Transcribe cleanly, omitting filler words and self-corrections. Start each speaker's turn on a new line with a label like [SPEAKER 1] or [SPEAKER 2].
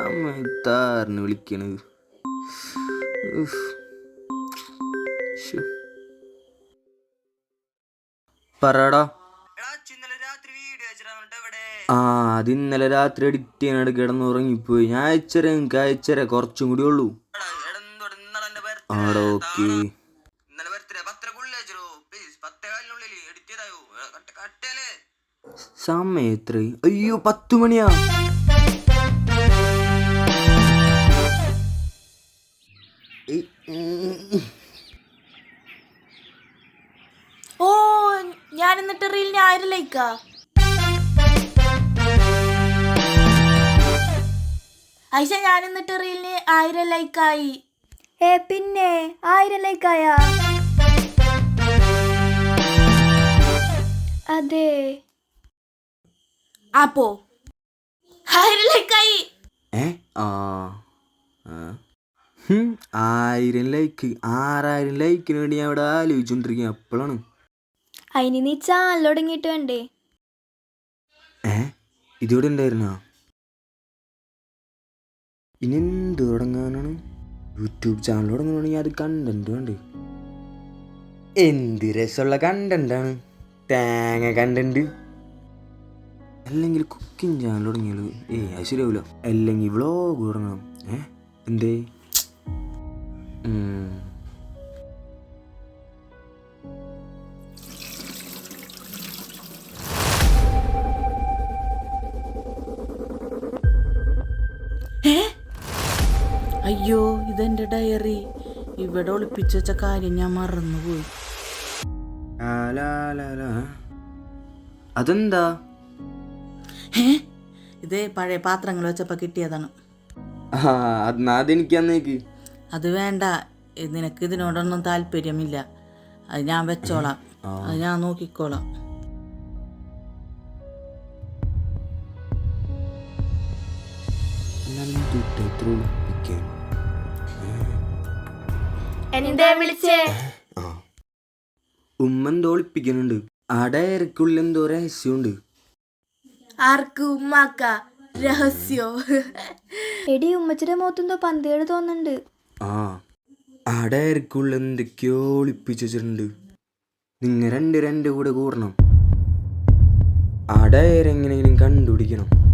[SPEAKER 1] സമയത്താറിന് വിളിക്കണത്. പറടാ. അത് ഇന്നലെ രാത്രി എഡിറ്റ് ചെയ്യാനായിട്ട് കിടന്നുറങ്ങിപ്പോയി. ഞാൻ അയച്ചരാ, എനിക്ക് അയച്ചരാ, കുറച്ചും കൂടി ഉള്ളൂ. ആടോ ഓക്കെ. സമയം എത്ര? അയ്യോ 10 മണിയാ.
[SPEAKER 2] ഓ, ഞാൻ എന്നിട്ട് റീലിന് 1000 ലൈക്കാ. ഐഷ, ഞാൻ എന്നിട്ട് റീലിന് 1000 ലൈക്കായി.
[SPEAKER 3] പിന്നെ 1000 ലൈക്കായാ? അതെ.
[SPEAKER 2] അപ്പോ 1000 ലൈക്കായി.
[SPEAKER 1] 1000 ലൈക്ക്, 6000 ലൈക്കിന് വേണ്ടി ഞാൻ ഇവിടെ ആലോചിച്ചോണ്ടിരിക്കുക. അപ്പോഴാണ്
[SPEAKER 3] അതിന് നീ ചാനൽ തുടങ്ങിയിട്ട് വേണ്ടേ?
[SPEAKER 1] ഇതിവിടെ ഉണ്ടായിരുന്ന ഇനി എന്ത് തുടങ്ങാനാണ്? യൂട്യൂബ് ചാനൽ തുടങ്ങണമെങ്കിൽ അത് കണ്ടന്റ് വേണ്ട. എന്ത് രസമുള്ള കണ്ടന്റാണ്, തേങ്ങ കണ്ടന്റ്. അല്ലെങ്കിൽ കുക്കിംഗ് ചാനൽ തുടങ്ങിയാൽ അത് ശരിയാവില്ല. അല്ലെങ്കിൽ വ്ളോഗ് തുടങ്ങണം. എന്തേ?
[SPEAKER 2] അയ്യോ, ഇതെന്റെ ഡയറി. ഇവിടെ ഒളിപ്പിച്ചു വെച്ച കാര്യം ഞാൻ മറന്നുപോയി.
[SPEAKER 1] അതെന്താ?
[SPEAKER 2] ഇത് പഴയ പാത്രങ്ങൾ വെച്ചപ്പോ കിട്ടിയതാണ്.
[SPEAKER 1] അതെനിക്ക് അന്നേക്ക്.
[SPEAKER 2] അത് വേണ്ട, നിനക്ക് ഇതിനോടൊന്നും താല്പര്യമില്ല. അത് ഞാൻ വെച്ചോളാം, അത് ഞാൻ നോക്കിക്കോളാം.
[SPEAKER 1] ഉമ്മ ഒളിപ്പിക്കുന്നുണ്ട്. ആ ഡയറിക്കുള്ളിൽ എന്തോ രഹസ്യമുണ്ട്.
[SPEAKER 2] ആർക്ക്? ഉമ്മാക്ക രഹസ്യോ?
[SPEAKER 3] എടി, ഉമ്മച്ചിയുടെ മുഖത്തെന്തോ പന്തേട് തോന്നുന്നുണ്ട്.
[SPEAKER 1] ആ ഡയറിക്കുള്ളിൽ എന്തൊക്കെയോ ഒളിപ്പിച്ചു വെച്ചിട്ടുണ്ട്. നിങ്ങൾ രണ്ട് കൂടെ കൂടണം. ആ ഡയറി എങ്ങനെയെങ്കിലും കണ്ടുപിടിക്കണം.